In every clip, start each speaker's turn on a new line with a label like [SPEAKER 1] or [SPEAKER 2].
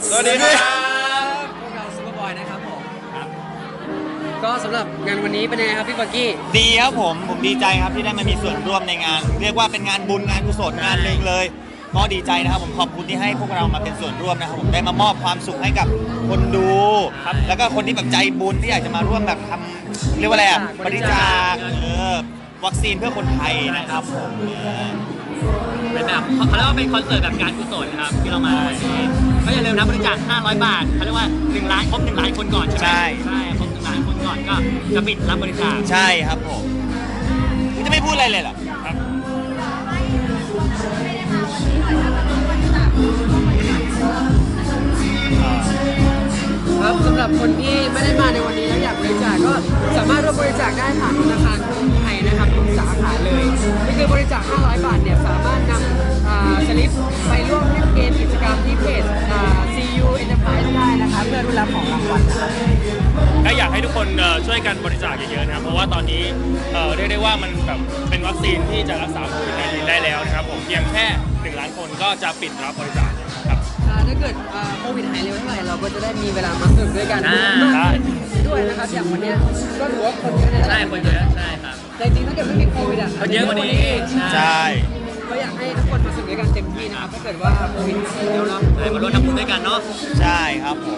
[SPEAKER 1] สวัสดีครับ
[SPEAKER 2] พวกเราซูเปอร์บอยนะครับผมก็สำหรับงานวันนี้เป็นไงครับพี่ปักกี้
[SPEAKER 1] ดีครับผมดีใจครับที่ได้มามีส่วนร่วมในงาน เรียกว่าเป็นงานบุญงานกุศลงานหนึ่งเลยก็ดีใจนะครับผมขอบคุณที่ให้พวกเรามาเป็นส่วนร่วมนะครับผมได้มามอบความสุขให้กับคนดูครับแล้วก็คนที่แบบใจบุญที่อยากจะมาร่วมแบบทำเรียกว่าอะไรบริจาควัคซีนเพื่อคนไทยนะครับผม
[SPEAKER 3] เป็นแบบเขาเรียกว่าเป็นคอนเสิร์ตแบบการกุศลครับที่เรามาก็อย่าลืมนะบริจาค500 บาทเขาเรียกว่า1 ล้านครบ1 ล้านคนก่อนใช่ไหมใช่ครบ1 ล้านคนก่อนก็จะปิดรับบริจาค
[SPEAKER 1] ใช่ครับผมคุณจะไม่พูดอะไรเลยเหรอ
[SPEAKER 2] ครับสำหรับคนที่ไม่ได้มาในวันนี้แล้วอยากบริจาคก็สามารถร่วมบริจาคได้ผ่านธนาคารกรุงไทยนะครับทุกสาขาเลยก็คือบริจาค500 บาทเนี่ยสามารถนำสลิปไปร่วมเล่นเกมกิจกรรมที่เพจCU Enterprise ได้นะครับเพื่อรุนรับของรางวัลนะครับ
[SPEAKER 4] ก็อยากให้ทุกคนช่วยกันบริจาคเยอะๆนะครับเพราะว่าตอนนี้เรียกได้ว่ามันแบบเป็นวัคซีนที่จะรักษาโควิด-19ได้แล้วนะครับผมเพียงแค่1 ล้านคนก็จะปิดรับบริจาคครับ
[SPEAKER 2] ถ้าเกิดโควิดหายเร็วเท่าไหร่เราก็จะได้มีเวลามาสนุกด้วยกันด้วยนะครับอย่างวันนี้ก็ถือว่าคนเยอะ
[SPEAKER 3] ใช่คนเยอะใช่ครับ
[SPEAKER 2] แต่จริงถ้าเกิดไม่มีโควิด
[SPEAKER 3] คนเยอะกว่านี้
[SPEAKER 1] ใช่
[SPEAKER 2] ก็อยากให้ทุกคนมาสนุกด้วยกันเต็มที่นะครับถ้าเกิดว่าโควิดหายแล้วเนาะ
[SPEAKER 3] มาร่วมทำบุญด้วยกันเนาะ
[SPEAKER 1] ใช่ครับผม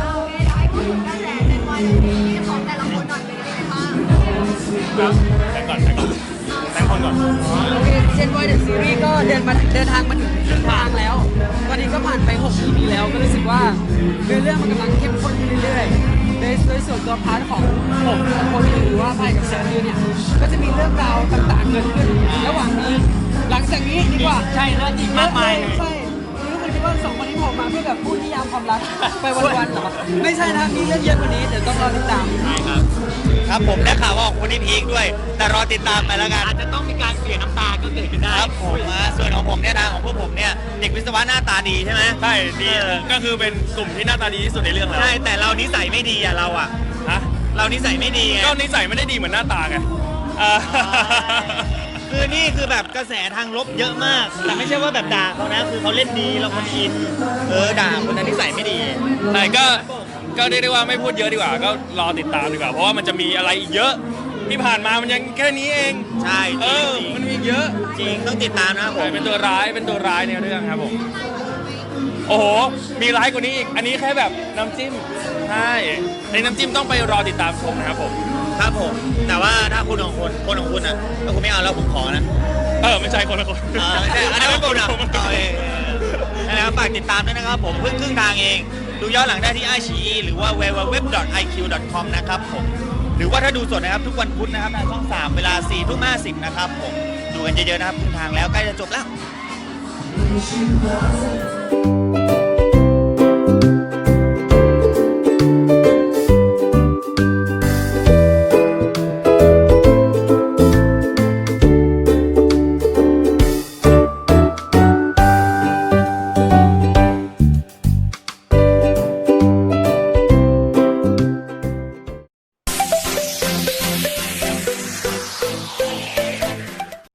[SPEAKER 5] ของแต่ละคนหน่อยเป็นยังไงบ้าง
[SPEAKER 4] แต่ก่อนแต่คนก่อน
[SPEAKER 2] โอเคเจนบอยเดอะซีรีส์ก็เดินทางมาถึงครึ่งทางแล้วตอนนี้ก็ผ่านไป6 EP แล้วก็รู้สึกว่าเรื่องมันกำลังเข้มข้นขึ้นเรื่อยๆโดยส่วนตัวพาร์ทของผมกับโคลีหรือว่าไพ่กับเซนเนี่ยก็จะมีเรื่องราวต่างๆเกิดขึ้นระหว่างนี้หลังจากนี้ดีกว่า
[SPEAKER 3] ใช่แล้วอีกมากมาย
[SPEAKER 2] ใช่ทุกคนคิดว่า2 คนนี้ผมมาเพื่อแบบพูดนิยามความรักไปวันๆเหรอไม่ใช่นะมีเรื่องเยอะกว่านี้เดี๋ยวต้องรอติดตาม
[SPEAKER 3] ใช่ครับ
[SPEAKER 1] ครับผมได้ข่าวว่าของคนนี้พีคด้วยแต่รอติดตามไปแล้วกัน
[SPEAKER 3] อาจจะต้องมีการเสียน้ำตาก็เกิดขึ้นได้
[SPEAKER 1] ครับผมส่วนของผมเนี่ยนะของพวกผมเนี่ยเด็กวิศวะหน้าตาดีใช่ไหม
[SPEAKER 4] ใช่ดีก็คือเป็นกลุ่มที่หน้าตาดีที่สุดในเรื่องแล้ว
[SPEAKER 1] ใช่แต่เรานิสัยไม่ดีอ่ะเราอ่ะเรานิสัยไม่ดีไง
[SPEAKER 4] ก็นิสัยไม่ได้ดีเหมือนหน้าตาไง
[SPEAKER 1] คือนี่คือแบบกระแสทางลบเยอะมากแต่ไม่ใช่ว่าแบบด่าเขานะคือเขาเล่นดีเราคนอินด่าคนนั้นนิสัยไม่ดี
[SPEAKER 4] ใช่ก็เรียกได้ว่าไม่พูดเยอะดีกว่าก็รอติดตามดีกว่าเพราะว่ามันจะมีอะไรอีกเยอะที่ผ่านมามันยังแค่นี้เอง
[SPEAKER 1] ใช่
[SPEAKER 4] มันมีเยอะ
[SPEAKER 1] จริงต้องติดตามนะครับผม
[SPEAKER 4] เป็นตัวร้ายในเรื่องครับผมโอ้โหมีร้ายกว่านี้อีกอันนี้แค่แบบน้ำจิ้มใช่ในน้ำจิ้มต้องไปรอติดตามชมนะครับผม
[SPEAKER 1] ครับผมแต่ว่าถ้าคนของคุณอ่ะถ้าคุณไม่เอาแล้วผมขอนะ
[SPEAKER 4] ไม่ใช่คนละคน
[SPEAKER 1] ไม่ใช่อันนี้ไม่คุณอ่ะแล้วฝากติดตามด้วยนะครับผมเพิ่งครึ่งทางเองดูย้อนหลังได้ที่ iQIYI หรือว่า www.iq.com นะครับผมหรือว่าถ้าดูสดนะครับทุกวันพุธนะครับทางช่อง 3เวลา 4:50 นะครับผมดูกันเยอะๆนะครับครึ่งทางแล้วใกล้จะจบแล้ว